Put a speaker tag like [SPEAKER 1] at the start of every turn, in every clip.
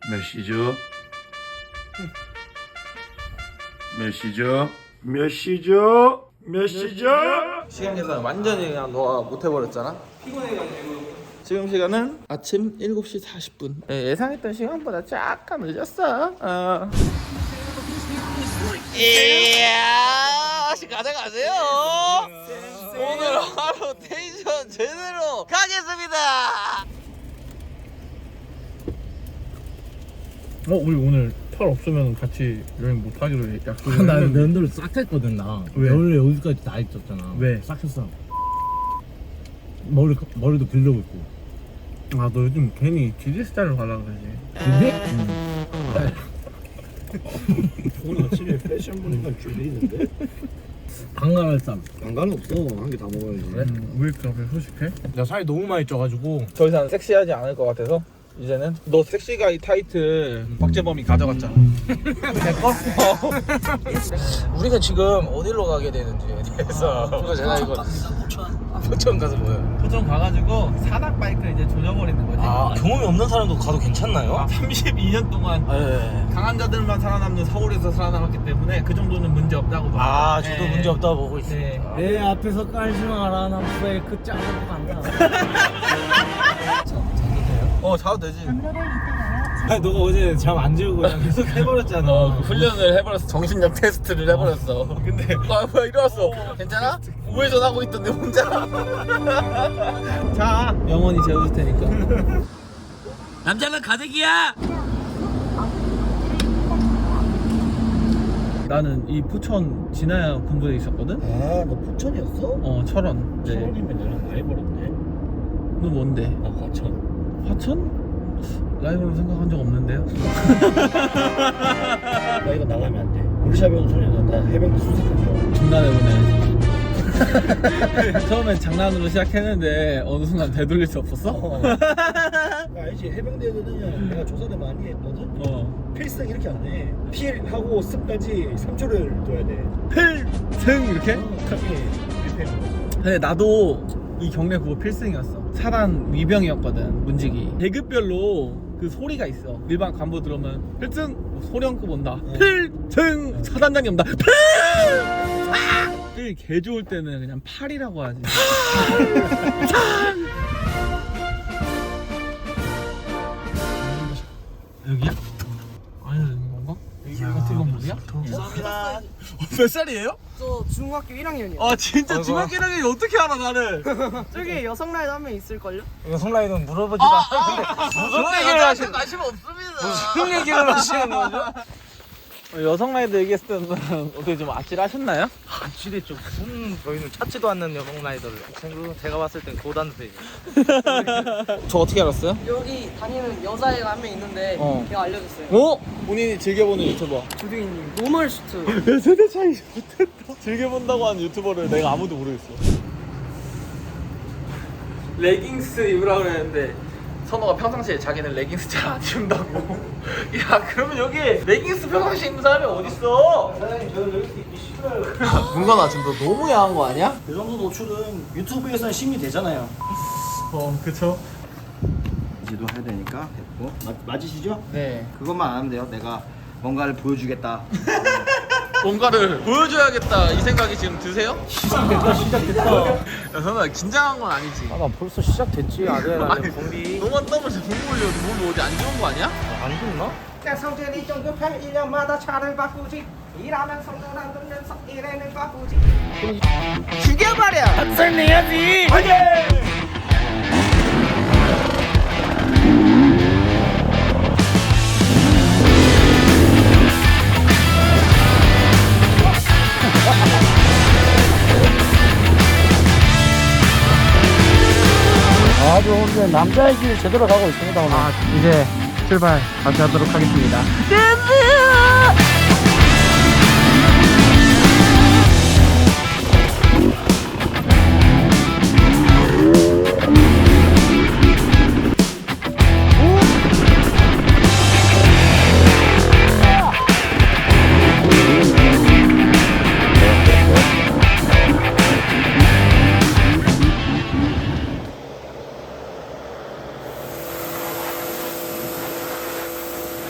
[SPEAKER 1] 몇 시죠? 몇 시죠? 몇 시죠? 몇 시죠?
[SPEAKER 2] 시간 계산 완전히 그냥 너가 못해버렸잖아. 피곤해가지고. 지금 시간은 아침 7시 40분. 예상했던 시간보다 약간 늦었어. 이야, 가져가세요. 오늘 하루 텐션 제대로 가겠습니다.
[SPEAKER 3] 우리 오늘 털 없으면 같이 여행 못 하기로 약속을
[SPEAKER 4] 나
[SPEAKER 3] 했는데.
[SPEAKER 4] 면도를 싹 했거든 나.
[SPEAKER 3] 왜?
[SPEAKER 4] 원래 여기까지 다 있었잖아.
[SPEAKER 3] 왜?
[SPEAKER 4] 싹 했어. 머리도 길르고 있고.
[SPEAKER 3] 아, 너 요즘 괜히 GD 스타일로 가려고 그러지.
[SPEAKER 4] 근데?
[SPEAKER 5] 오늘 아침에 패션 보니까 줄이 있는데
[SPEAKER 4] 강간할 쌈.
[SPEAKER 5] 난간은 없어. 한 개 다 먹어야지.
[SPEAKER 3] 왜 그렇게 소식해?
[SPEAKER 4] 나 살이 너무 많이 쪄가지고.
[SPEAKER 2] 더 이상 섹시하지 않을 것 같아서 이제는 너 섹시가이 타이틀 박재범이 가져갔잖아. 내꺼? 우리가 지금 어디로 가게 되는지에 대해서 그거 제가 이거 포천 가서 뭐예요? 포천 가가지고 산악 바이크 이제 조져버리는 거지.
[SPEAKER 4] 아, 경험이 없는 사람도 가도 괜찮나요?
[SPEAKER 2] 32년 동안
[SPEAKER 4] 네.
[SPEAKER 2] 강한 자들만 살아남는 서울에서 살아남았기 때문에 그 정도는 문제 없다고 봐.
[SPEAKER 4] 아, 저도 문제 없다고 보고 있어요.
[SPEAKER 2] 네.
[SPEAKER 4] 내 앞에서 깔지 마라. 난 브레이크 짜고 간다.
[SPEAKER 2] 자도 되지.
[SPEAKER 4] 아니, 너가 어제 잠 안 재우고 그냥 계속 해버렸잖아.
[SPEAKER 2] 훈련을 해버렸어. 정신력 테스트를 해버렸어. 근데 뭐야 일어났어. 괜찮아? 우회전하고 있던데 혼자. 자, 영원히 재워줄 테니까. 남자는 가득이야. 나는 이 포천 진화야 군부대에 있었거든.
[SPEAKER 5] 아, 너 포천이었어?
[SPEAKER 2] 철원. 네.
[SPEAKER 5] 서울이면 나랑 많이 벌었네.
[SPEAKER 2] 너 뭔데?
[SPEAKER 5] 나 과천.
[SPEAKER 2] 화천? 라이벌로 생각한 적 없는데요?
[SPEAKER 5] 나 이거 나가면 안 돼. 우리 샵에 소리는 나 해병대 수색한
[SPEAKER 2] 장난해보네. 처음엔 장난으로 시작했는데 어느 순간 되돌릴 수 없었어?
[SPEAKER 5] 거. 알지? 해병대거든요. 내가 조사를 많이 했거든. 필승 이렇게 안 해. 필하고 습까지 3초를 둬야 돼.
[SPEAKER 2] 필승 이렇게?
[SPEAKER 5] 그게 1패인
[SPEAKER 2] 근데 나도 이 경례 그거 필승이었어. 사단 위병이었거든. 문직이 계급별로 그 소리가 있어. 일반 간부 들으면 필승 소령급 온다. 필승 사단장이 온다. 필 개 좋을 때는 그냥 팔이라고 하지. 여기야? 아니 건가? 같은 건물이야?
[SPEAKER 4] 감사합니다.
[SPEAKER 2] 몇 살이에요?
[SPEAKER 6] 저 중학교 1학년이요.
[SPEAKER 2] 아 진짜 중학교 1학년이 어떻게 알아 나를?
[SPEAKER 6] 저기 여성 라이더 한 명 있을걸요?
[SPEAKER 4] 이거 성라이는 물어보지도 않았는데 무슨 얘기를 하시는
[SPEAKER 2] 관심 없습니다.
[SPEAKER 4] 무슨 얘기를 하시는 거죠?
[SPEAKER 2] 여성 라이더 얘기했을 때는 어떻게 좀 아찔하셨나요?
[SPEAKER 4] 아찔했죠. 무슨 저희는 찾지도 않는 여성 라이더를. 제가 봤을 땐 고단세.
[SPEAKER 2] 저 어떻게 알았어요?
[SPEAKER 6] 여기 다니는 여자애가 한 명 있는데 걔가 알려줬어요.
[SPEAKER 2] 어? 본인이 즐겨보는 유튜버.
[SPEAKER 6] 조등이님 노멀 슈트.
[SPEAKER 2] 세대 차이 못했다. 즐겨본다고 하는 유튜버를 내가 아무도 모르겠어. 레깅스 입으라고 그랬는데 선호가 평상시에 자기는 레깅스 잘 안 입는다고. 야 그러면 여기 레깅스 평상시에 입는 사람이 어딨어?
[SPEAKER 5] 사장님, 저는 여기 있기 싫어요.
[SPEAKER 2] 문관아 지금 너 너무 야한 거 아니야?
[SPEAKER 5] 이 정도 노출은 유튜브에서는 심의 되잖아요.
[SPEAKER 2] 그쵸.
[SPEAKER 5] 이제도 해야 되니까 됐고. 맞으시죠?
[SPEAKER 2] 네.
[SPEAKER 5] 그것만 안 하면 돼요. 내가 뭔가를 보여주겠다.
[SPEAKER 2] 뭔가를 보여줘야겠다 이 생각이 지금 드세요?
[SPEAKER 5] 시작됐다.
[SPEAKER 2] 야 선호야 긴장한 건 아니지?
[SPEAKER 4] 아, 나 벌써 시작됐지.
[SPEAKER 2] 아니 너만 땀을 잘 못 흘려. 몸이 어디 안 좋은 거 아니야?
[SPEAKER 4] 안 좋나?
[SPEAKER 6] 성질이 좀 급해 1년마다 차를 바꾸지. 일하면 성질 안 들면서 일하는 바꾸지.
[SPEAKER 2] 죽여버려!
[SPEAKER 4] 학생내야지.
[SPEAKER 5] 아주 오늘 남자의 길 제대로 가고 있습니다. 오늘.
[SPEAKER 2] 이제 출발 다시 하도록 하겠습니다.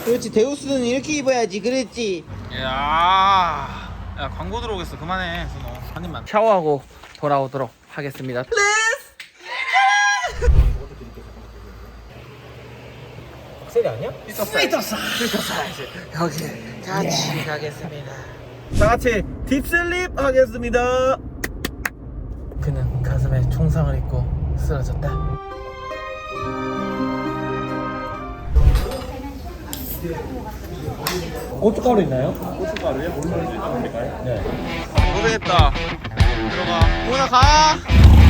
[SPEAKER 6] 그렇지 데우스는 이렇게 입어야지 그랬지.
[SPEAKER 2] 야 광고 들어오겠어. 그만해 순호. 한 입만 샤워하고 돌아오도록 하겠습니다.
[SPEAKER 5] 박셀이 아니야?
[SPEAKER 6] 여기 같이 가겠습니다.
[SPEAKER 2] 다 같이 딥슬립 하겠습니다. 그는 가슴에 총상을 입고 쓰러졌다.
[SPEAKER 5] 고춧가루 있나요?
[SPEAKER 2] 고생했다. 들어가. 오나 가.